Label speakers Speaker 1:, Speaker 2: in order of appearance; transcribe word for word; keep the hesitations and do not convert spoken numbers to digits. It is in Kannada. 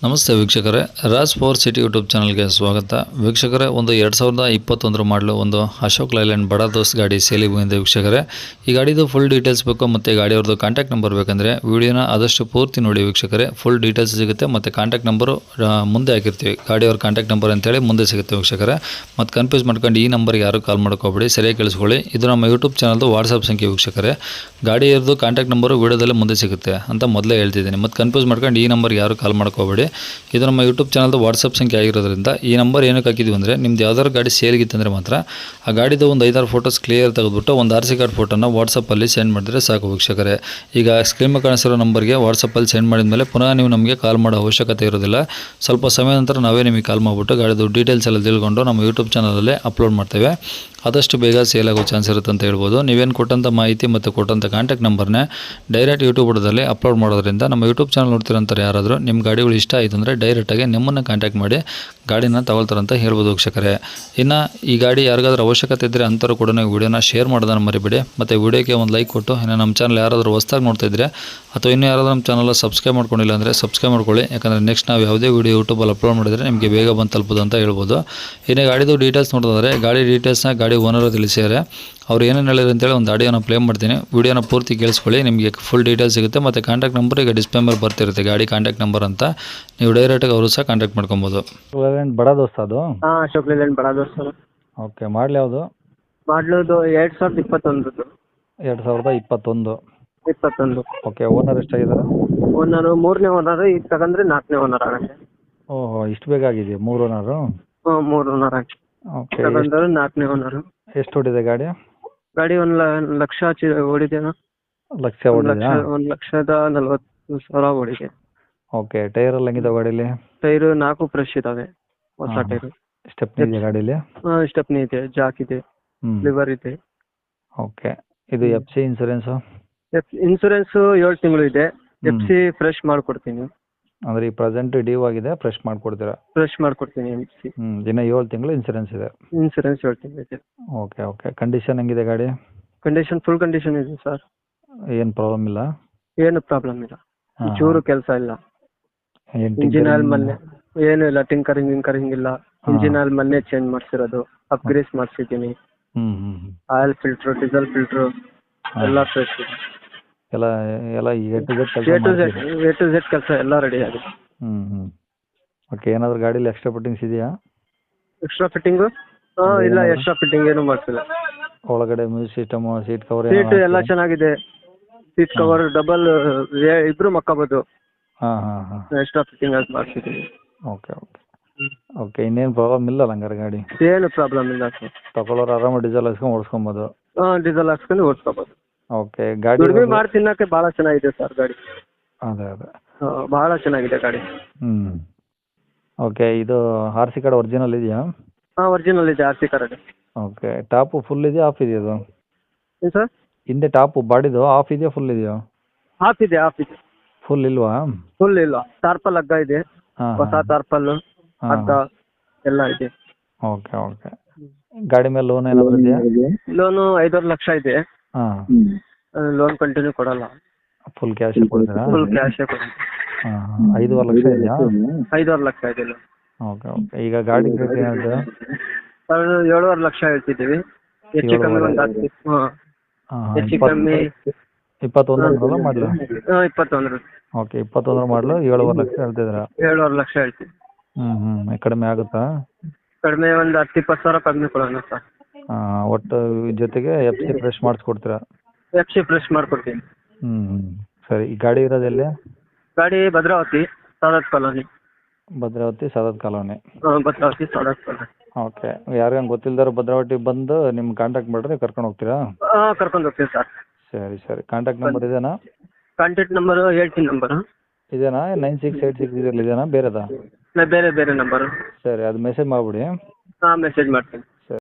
Speaker 1: ನಮಸ್ತೆ ವೀಕ್ಷಕರೇ, ರಾಜ್ ಪವರ್ ಸಿಟಿ ಯೂಟ್ಯೂಬ್ ಚಾನಲ್ಗೆ ಸ್ವಾಗತ. ವೀಕ್ಷಕರೇ, ಒಂದು ಎರಡು ಸಾವಿರದ ಇಪ್ಪತ್ತೊಂದರ ಮಾಡಲು ಒಂದು ಅಶೋಕ್ ಲೈಲ್ಯಾಂಡ್ ಬಡ ದೋಸ್ತ್ ಗಾಡಿ ಸೇಲಿಗೆ ಬಂದಿದೆ. ವೀಕ್ಷಕರೇ, ಈ ಗಾಡಿದು ಫುಲ್ ಡೀಟೇಲ್ಸ್ ಬೇಕು ಮತ್ತು ಗಾಡಿಯವ್ರದ್ದು ಕಾಂಟ್ಯಾಕ್ಟ್ ನಂಬರ್ ಬೇಕಂದರೆ ವಿಡಿಯೋನ ಆದಷ್ಟು ಪೂರ್ತಿ ನೋಡಿ ವೀಕ್ಷಕರೇ. ಫುಲ್ ಡೀಟೇಲ್ಸ್ ಸಿಗುತ್ತೆ ಮತ್ತು ಕಾಂಟ್ಯಾಕ್ಟ್ ನಂಬರು ಮುಂದೆ ಹಾಕಿರ್ತೀವಿ. ಗಾಡಿಯವ್ರ ಕಾಂಟ್ಯಾಕ್ಟ್ ನಂಬರ್ ಅಂತೇಳಿ ಮುಂದೆ ಸಿಗುತ್ತೆ ವೀಕ್ಷಕರೇ. ಮತ್ತು ಕನ್ಫ್ಯೂಸ್ ಮಾಡ್ಕೊಂಡು ಈ ನಂಬರ್ಗೆ ಯಾರು ಕಾಲ್ ಮಾಡ್ಕೋಬೇಡಿ, ಸರಿಯಾಗಿ ಕೇಳಿಸ್ಕೊಳ್ಳಿ. ಇದು ನಮ್ಮ ಯೂಟ್ಯೂಬ್ ಚಾನಲ್ದು ವಾಟ್ಸಪ್ ಸಂಖ್ಯೆ ವೀಕ್ಷಕರೇ. ಗಾಡಿಯವ್ರದ್ದು ಕಾಂಟ್ಯಾಕ್ಟ್ ನಂಬರು ವಿಡಿಯೋದಲ್ಲೇ ಮುಂದೆ ಸಿಗುತ್ತೆ ಅಂತ ಮೊದಲೇ ಹೇಳ್ತಿದ್ದೀನಿ. ಮತ್ತು ಕನ್ಫ್ಯೂಸ್ ಮಾಡ್ಕೊಂಡು ಈ ನಂಬರ್ಗೆ ಯಾರು ಕಾಲ್ ಮಾಡ್ಕೋಬೇಡಿ. ಇದು ನಮ್ಮ ಯೂಟ್ಯೂಬ್ ಚಾನಲ್ದು ವಾಟ್ಸಪ್ ಸಂಖ್ಯೆ ಆಗಿರೋದ್ರಿಂದ ಈ ನಂಬರ್ ಏನಕ್ಕೆ ಹಾಕಿದ್ವಿ ಅಂದರೆ, ನಿಮ್ದು ಯಾವ್ದಾದ್ರು ಗಾಡಿ ಸೇಲ್ಗಿತ್ತಂದರೆ ಮಾತ್ರ ಆ ಗಾಡಿದು ಒಂದು ಐದಾರು ಫೋಟೋಸ್ ಕ್ಲಿಯರ್ ತೆಗೆದುಬಿಟ್ಟು ಒಂದು ಆರ್ ಸಿ ಕಾರ್ಡ್ ಫೋಟೋನ ವಾಟ್ಸಪ್ಪಲ್ಲಿ ಸೆಂಡ್ ಮಾಡಿದ್ರೆ ಸಾಕು ವೀಕ್ಷಕರೇ. ಈಗ ಸ್ಕ್ರೀನ್ ಕಾಣಿಸಿರೋ ನಂಬರ್ಗೆ ವಾಟ್ಸಪ್ಪಲ್ಲಿ ಸೆಂಡ್ ಮಾಡಿದ ಮೇಲೆ ಪುನಃ ನೀವು ನಮಗೆ ಕಾಲ್ ಮಾಡೋ ಅವಶ್ಯಕತೆ ಇರೋದಿಲ್ಲ. ಸ್ವಲ್ಪ ಸಮಯ ನಂತರ ನಾವೇ ನಿಮಗೆ ಕಾಲ್ ಮಾಡಿಬಿಟ್ಟು ಗಾಡಿದು ಡೀಟೇಲ್ಸ್ ಎಲ್ಲ ತಿಳ್ಕೊಂಡು ನಮ್ಮ ಯೂಟ್ಯೂಬ್ ಚಾನಲಲ್ಲೇ ಅಪ್ಲೋಡ್ ಮಾಡ್ತೇವೆ. ಆದಷ್ಟು ಬೇಗ ಸೇಲ್ ಆಗೋ ಚಾನ್ಸ್ ಇರುತ್ತೆ ಅಂತ ಹೇಳ್ಬೋದು. ನೀವೇನು ಕೊಟ್ಟಂಥ ಮಾಹಿತಿ ಮತ್ತು ಕೊಟ್ಟಂಥ ಕಾಂಟ್ಯಾಕ್ಟ್ ನಂಬರ್ನೇ ಡೈರೆಕ್ಟ್ ಯೂಟ್ಯೂಬ್ ಬುಡದಲ್ಲಿ ಅಪ್ಲೋಡ್ ಮಾಡೋದ್ರಿಂದ ನಮ್ಮ ಯೂಟ್ಯೂಬ್ ಚಾನಲ್ ನೋಡ್ತಿರೋಂಥವ್ರು ಯಾರಾದರೂ ನಿಮ್ಮ ಗಾಡಿಗಳು ಇಷ್ಟ ಆಯಿತು ಅಂದರೆ ಡೈರೆಕ್ಟಾಗಿ ನಿಮ್ಮನ್ನು ಕಾಂಟ್ಯಾಕ್ಟ್ ಮಾಡಿ ಗಾಡಿನ ತಗೊಳ್ತಾರಂತ ಹೇಳ್ಬೋದು ವೀಕ್ಷಕರೇ. ಇನ್ನು ಈ ಗಾಡಿ ಯಾರಿಗಾದ್ರೂ ಅವಶ್ಯಕತೆ ಇದ್ದರೆ ಅಂಥವ್ರು ಕೂಡ ನೀವು ವೀಡಿಯೋನ ಶೇರ್ ಮಾಡೋದನ್ನು ಮರಿಬೇಡಿ. ಮತ್ತು ವೀಡಿಯೋಕ್ಕೆ ಒಂದು ಲೈಕ್ ಕೊಟ್ಟು, ಇನ್ನು ನಮ್ಮ ಚಾನಲ್ ಯಾರಾದರೂ ಹೊಸ್ದಾಗಿ ನೋಡ್ತಾ ಇದ್ದರೆ ಅಥವಾ ಇನ್ನೂ ಯಾರಾದರೂ ನಮ್ಮ ಚಾನಲ್ ಸಬ್ಸ್ಕ್ರೈಬ್ ಮಾಡ್ಕೊಂಡಿಲ್ಲ ಅಂದರೆ ಸಬ್ಸ್ಕ್ರೈಬ್ ಮಾಡ್ಕೊಳ್ಳಿ. ಯಾಕಂದರೆ ನೆಕ್ಸ್ಟ್ ನಾವು ಯಾವುದೇ ವೀಡಿಯೋ ಯೂಟ್ಯೂಬಲ್ಲಿ ಅಪ್ಲೋಡ್ ಮಾಡಿದರೆ ನಿಮಗೆ ಬೇಗ ಬಂದು ತಲುಪೋದು ಅಂತ ಹೇಳ್ಬೋದು. ಇನ್ನು ಗಾಡಿದು ಡೀಟೇಲ್ಸ್ ನೋಡಿದ್ರೆ ಗಾಡಿ ಡೀಟೇಲ್ಸ್ನ ಗಾಡಿ ಓನರ್ ತಿಳಿಸಿದ್ದಾರೆ. ಅವ್ರು ಏನೇನು ಹೇಳಿದ್ರು ಅಂತೇಳಿ ಒಂದು ಆಡಿಯೋನ ಪ್ಲೇ ಮಾಡ್ತೀನಿ, ವೀಡಿಯೋನ ಪೂರ್ತಿ ಕೇಳಿಸ್ಕೊಳ್ಳಿ. ನಿಮಗೆ ಫುಲ್ ಡೀಟೇಲ್ಸ್ ಸಿಗುತ್ತೆ ಮತ್ತು ಕಾಂಟ್ಯಾಕ್ಟ್ ನಂಬರ್ ಈಗ ಡಿಸ್ಪ್ಲೇ ಮೇಲೆ ಬರ್ತಿರುತ್ತೆ, ಗಾಡಿ ಕಾಂಟ್ಯಾಕ್ಟ್ ನಂಬರ್ ಅಂತ. ನೀವು ಡೈರೆಕ್ಟಾಗಿ ಅವರು ಸಹ ಕಾಂಟ್ಯಾಕ್ಟ್ ಮಾಡ್ಕೊಬೋದು.
Speaker 2: ಬಡ ದೋಸ್ತ ಅದು?
Speaker 3: ಹಾಂ, ಅಶೋಕ್ ಲೇಲ್ಯಾಂಡ್ ಬಡ ದೋಸ್ತ.
Speaker 2: ಓಕೆ, ಮಾಡಲಿ ಯಾವುದು?
Speaker 3: ಮಾಡ್ಲುದು ಎರಡು ಸಾವಿರದ ಇಪ್ಪತ್ತೊಂದರದ್ದು.
Speaker 2: ಎರಡು ಸಾವಿರದ ಇಪ್ಪತ್ತೊಂದು
Speaker 3: ಇಪ್ಪತ್ತೊಂದು.
Speaker 2: ಓಕೆ, ಓನರ್ ಎಷ್ಟಾಗಿದ್ದಾರೆ?
Speaker 3: ಓನರು ಮೂರನೇ ಓನರ್, ಈಗ ತಗೊಂಡ್ರೆ ನಾಲ್ಕನೇ ಓನರ್ ಆಗುತ್ತೆ.
Speaker 2: ಓಹೋ, ಇಷ್ಟು ಬೇಗ ಆಗಿದೆ ಮೂರು ಓನರು?
Speaker 3: ಹ್ಞೂ, ಮೂರು ಓನರ್ ಆಗಿ
Speaker 2: ಓಕೆ.
Speaker 3: ತಗೊಂಡ್ರೆ ನಾಲ್ಕನೇ ಓನರು.
Speaker 2: ಎಷ್ಟು ಹೊಡಿದೆ ಗಾಡಿ?
Speaker 3: ಗಾಡಿ ಒಂದು ಲಕ್ಷ ಚಿ ಓಡಿದೆನಾ?
Speaker 2: ಲಕ್ಷ ಹೊಡಿದಾ?
Speaker 3: ಒಂದು ಲಕ್ಷದ ನಲ್ವತ್ತು ಸಾವಿರ ಓಡಿದೆ.
Speaker 2: ಓಕೆ, ಟೈರ್ ಎಲ್ಲ ಹೆಂಗಿದೆ ಗಾಡೀಲಿ?
Speaker 3: ಟೈರು ನಾಲ್ಕು ಫ್ರೆಶ್ ಇದಾವೆ, ಹೊಸ ಟೈರು.
Speaker 2: ಸ್ಟೆಪ್ನಿ ಇದೆಯಾ ಗಾಡೀಲಿ?
Speaker 3: ಹಾಂ, ಸ್ಟೆಪ್ನಿ ಇದೆ, ಜಾಕ್ ಇದೆ, ಲಿವರ್ ಇದೆ.
Speaker 2: ಓಕೆ, ಇದು F C insurance?
Speaker 3: F insurance ಏಳು ತಿಂಗಳು ಇದೆ. ಎಫ್ ಸಿ ಫ್ರೆಶ್ ಮಾಡಿಕೊಡ್ತೀನಿ.
Speaker 2: ಅಂದರೆ ಈ ಪ್ರೆಸೆಂಟ್ ಡ್ಯೂ ಆಗಿದೆ, ಫ್ರೆಶ್ ಮಾಡಿಕೊಡ್ತೀರಾ?
Speaker 3: ಫ್ರೆಶ್ ಮಾಡಿಕೊಡ್ತೀನಿ ಎಫ್ ಸಿ.
Speaker 2: ಹ್ಞೂ, ದಿನ ಏಳು ತಿಂಗಳು ಇನ್ಸೂರೆನ್ಸ್ ಇದೆ?
Speaker 3: ಇನ್ಸೂರೆನ್ಸ್ ಏಳು ತಿಂಗಳು ಇದೆ.
Speaker 2: Okay okay. ಕಂಡೀಷನ್ ಹೆಂಗಿದೆ ಗಾಡಿ?
Speaker 3: ಕಂಡೀಷನ್ ಫುಲ್ ಕಂಡೀಷನ್ ಇದೆ ಸರ್.
Speaker 2: ಏನು ಪ್ರಾಬ್ಲಮ್ ಇಲ್ಲ?
Speaker 3: ಏನು ಪ್ರಾಬ್ಲಮ್ ಇಲ್ಲ, ಚೂರು ಕೆಲಸ ಇಲ್ಲ.
Speaker 2: ಏನು
Speaker 3: ಇಂಜಿನ್ ಆಯಿಲ್ ಮೊನ್ನೆ ಏನು ಇಲ್ಲ, ಟಿಂಕರಿಂಗ್ ಗಿಂಕರಿಂಗ್ ಇಲ್ಲ. ಇಂಜಿನ್ ಆಯಿಲ್ ಮೊನ್ನೆ ಚೇಂಜ್ ಮಾಡಿಸಿರೋದು, ಅಪ್ಗ್ರೇಸ್ ಮಾಡಿಸಿದ್ದೀನಿ.
Speaker 2: ಹ್ಞೂ ಹ್ಞೂ
Speaker 3: ಆಯಿಲ್ ಫಿಲ್ಟ್ರು, ಡೀಸೆಲ್ ಫಿಲ್ಟ್ರು ಎಲ್ಲ ಫ್ರೆಶ್ ಇದೆ.
Speaker 2: ಎಲ್ಲ ಎಲ್ಲ A to Z
Speaker 3: A to
Speaker 2: ಕೆಲಸ?
Speaker 3: ಝೆಡ್ ಎ ಟು ಝೆಡ್ ಕೆಲಸ ಎಲ್ಲ ರೆಡಿ ಆಗಿದೆ.
Speaker 2: ಹ್ಞೂ ಹ್ಞೂ. ಓಕೆ, ಏನಾದರೂ ಗಾಡೀಲಿ ಎಕ್ಸ್ಟ್ರಾ ಫಿಟ್ಟಿಂಗ್ಸ್ ಇದೆಯಾ?
Speaker 3: Extra fitting? ಹಾಂ, ಇಲ್ಲ, ಎಕ್ಸ್ಟ್ರಾ ಫಿಟ್ಟಿಂಗ್ ಏನು ಮಾಡಿಸಿಲ್ಲ.
Speaker 2: ಒಳಗಡೆ music system, seat cover?
Speaker 3: Seat ಎಲ್ಲ ಚೆನ್ನಾಗಿದೆ. ಸೀಟ್ ಕವರ್ ಡಬಲ್, ಇಬ್ರು ಮಕ್ಕೋಬೋದು.
Speaker 2: ಹಾಂ ಹಾಂ ಹಾಂ.
Speaker 3: ಎಕ್ಸ್ಟ್ರಾ ಫಿಟ್ಟಿಂಗ್ ಅದು ಮಾಡಿಸಿದ್ದೀನಿ.
Speaker 2: Okay okay okay. ಇನ್ನೇನು ಪ್ರಾಬ್ಲಮ್ ಇಲ್ಲ ಹಂಗಾರೆ ಗಾಡಿ?
Speaker 3: ಏನು ಪ್ರಾಬ್ಲಮ್ ಇಲ್ಲ ಸರ್.
Speaker 2: ತಗೊಳ್ಳೋರು ಆರಾಮ ಡೀಸೆಲ್ ಹಾಕ್ಸ್ಕೊಂಡು ಓಡಿಸ್ಕೊಬೋದು?
Speaker 3: ಹಾಂ, ಡೀಸೆಲ್ ಹಾಕ್ಸ್ಕೊಂಡು ಓಡಿಸ್ಕೋಬೋದು.
Speaker 2: ಓಕೆ. ಗಾಡಿ
Speaker 3: ದುಡಿಮೆ ಮಾಡಿ ತಿನ್ನಕ್ಕೆ ಭಾಳ ಚೆನ್ನಾಗಿದೆ ಸರ್ ಗಾಡಿ.
Speaker 2: ಅದೇ ಅದೇ
Speaker 3: ಭಾಳ ಚೆನ್ನಾಗಿದೆ ಗಾಡಿ.
Speaker 2: ಹ್ಞೂ. ಓಕೆ, ಇದು ಆರ್ ಸಿ ಕಾರ್ಡ್ ಒರಿಜಿನಲ್ ಇದೆಯಾ?
Speaker 3: ಹಾಂ, ಒರಿಜಿನಲ್ ಇದೆ R C card.
Speaker 2: Okay. Top full ಇದೆಯಾ, ಆಫ್ ಇದೆಯಾ ಅದು?
Speaker 3: ಏನು ಸರ್?
Speaker 2: ಹಿಂದೆ ಟಾಪು ಬಾಡಿದು ಆಫ್ ಇದೆಯಾ, ಫುಲ್ ಇದೆಯಾ?
Speaker 3: ಆಫ್ ಇದೆ, ಆಫ್ ಇದೆ.
Speaker 2: ಫುಲ್ ಇಲ್ವಾ?
Speaker 3: ಫುಲ್ ಇಲ್ಲ, ಟಾರ್ಪಲ್ ಹಗ್ಗ ಇದೆ,
Speaker 2: ಹಾಂ
Speaker 3: ಹೊಸ ಟಾರ್ಪಲ್ ಹಗ್ಗ ಎಲ್ಲ ಇದೆ.
Speaker 2: Okay okay. ಗಾಡಿ ಮೇಲೆ ಲೋನ್ ಏನಾದರೂ ಇದೆಯಾ?
Speaker 3: ಲೋನು ಐದೂವರೆ ಲಕ್ಷ ಇದೆ.
Speaker 2: ಹಾಂ.
Speaker 3: ಲೋನ್ ಕಂಟಿನ್ಯೂ ಕೊಡಲ್ಲ,
Speaker 2: ಫುಲ್ ಕ್ಯಾಶ್ ಕೊಡ್ತೀರಾ?
Speaker 3: ಫುಲ್ ಕ್ಯಾಶೇ ಕೊಡಿ.
Speaker 2: ಹಾಂ, ಐದೂವರೆ ಲಕ್ಷ ಇದೆಯಾ?
Speaker 3: ಐದೂವರೆ ಲಕ್ಷ ಇದೆ ಲೋನ್.
Speaker 2: Okay okay. ಈಗ ಗಾಡಿ ರೇಟ್ ಏನಾದ್ರು?
Speaker 3: ಸರ್, ಏಳುವರೆ ಲಕ್ಷ ಹೇಳ್ತಿದ್ದೀವಿ. ಹೆಚ್ಚು ಕಮ್ಮಿ ಒಂದು ಹತ್ತು. ಹಾಂ,
Speaker 2: ಹಾಂ,
Speaker 3: ಹೆಚ್ಚು ಕಮ್ಮಿ.
Speaker 2: ಇಪ್ಪತ್ತೊಂದರ ಮಾಡಲು?
Speaker 3: ಹಾಂ, ಇಪ್ಪತ್ತೊಂದರ.
Speaker 2: ಓಕೆ, ಇಪ್ಪತ್ತೊಂದರ ಮಾಡಲು ಏಳುವರೆ ಲಕ್ಷ ಹೇಳ್ತಿದ್ದೀರಾ?
Speaker 3: ಏಳುವರೆ ಲಕ್ಷ ಹೇಳ್ತೀವಿ.
Speaker 2: ಹ್ಞೂ ಹ್ಞೂ. ಕಡಿಮೆ ಆಗುತ್ತಾ?
Speaker 3: ಕಡಿಮೆ ಒಂದು ಹತ್ತು ಇಪ್ಪತ್ತು ಸಾವಿರ ಕಡಿಮೆ ಕೊಡೋಣ ಸರ್.
Speaker 2: ಹಾಂ, ಒಟ್ಟು ಜೊತೆಗೆ ಎಫ್ ಸಿ ಫ್ರೆಶ್ ಮಾಡಿಸ್ಕೊಡ್ತೀರಾ?
Speaker 3: ಎಫ್ ಸಿ ಫ್ರೆಶ್ ಮಾಡ್ಕೊಡ್ತೀನಿ.
Speaker 2: ಹ್ಞೂ ಹ್ಞೂ. ಸರಿ. ಈ ಗಾಡಿ ಇರೋದೆಲ್ಲಿ?
Speaker 3: ಗಾಡಿ ಭದ್ರಾವತಿ ಸಾದತ್ ಕಾಲೋನಿ.
Speaker 2: ಭದ್ರಾವತಿ ಸಾದತ್ ಕಾಲೋನಿ?
Speaker 3: ಹಾಂ, ಭದ್ರಾವತಿ ಸಾದತ್ ಕಾಲೋನಿ.
Speaker 2: ಓಕೆ. ಯಾರಿಗಂಗೆ ಗೊತ್ತಿಲ್ದಾರು ಭದ್ರಾವತಿಗೆ ಬಂದು ನಿಮ್ಮ ಕಾಂಟ್ಯಾಕ್ಟ್ ಮಾಡಿದ್ರೆ ಕರ್ಕೊಂಡು ಹೋಗ್ತೀರಾ?
Speaker 3: ಹಾಂ, ಕರ್ಕೊಂಡು ಹೋಗ್ತೀವಿ ಸರ್.
Speaker 2: ಸರಿ ಸರಿ. ಕಾಂಟ್ಯಾಕ್ಟ್ ನಂಬರ್ ಇದೇನಾ?
Speaker 3: ಕಾಂಟ್ಯಾಕ್ಟ್ ನಂಬರು ಹೇಳ್ತೀನಿ. ನಂಬರು
Speaker 2: ಇದೇನಾ? ನೈನ್ ಸಿಕ್ಸ್ ಏಯ್ಟ್ ಸಿಕ್ಸ್ ಇದರಲ್ಲಿ ಇದೇನಾ, ಬೇರೆದಾ?
Speaker 3: ಬೇರೆ ಬೇರೆ ನಂಬರು.
Speaker 2: ಸರಿ, ಅದು ಮೆಸೇಜ್ ಮಾಡಿಬಿಡಿ.
Speaker 3: ಹಾಂ, ಮೆಸೇಜ್ ಮಾಡ್ತೀನಿ.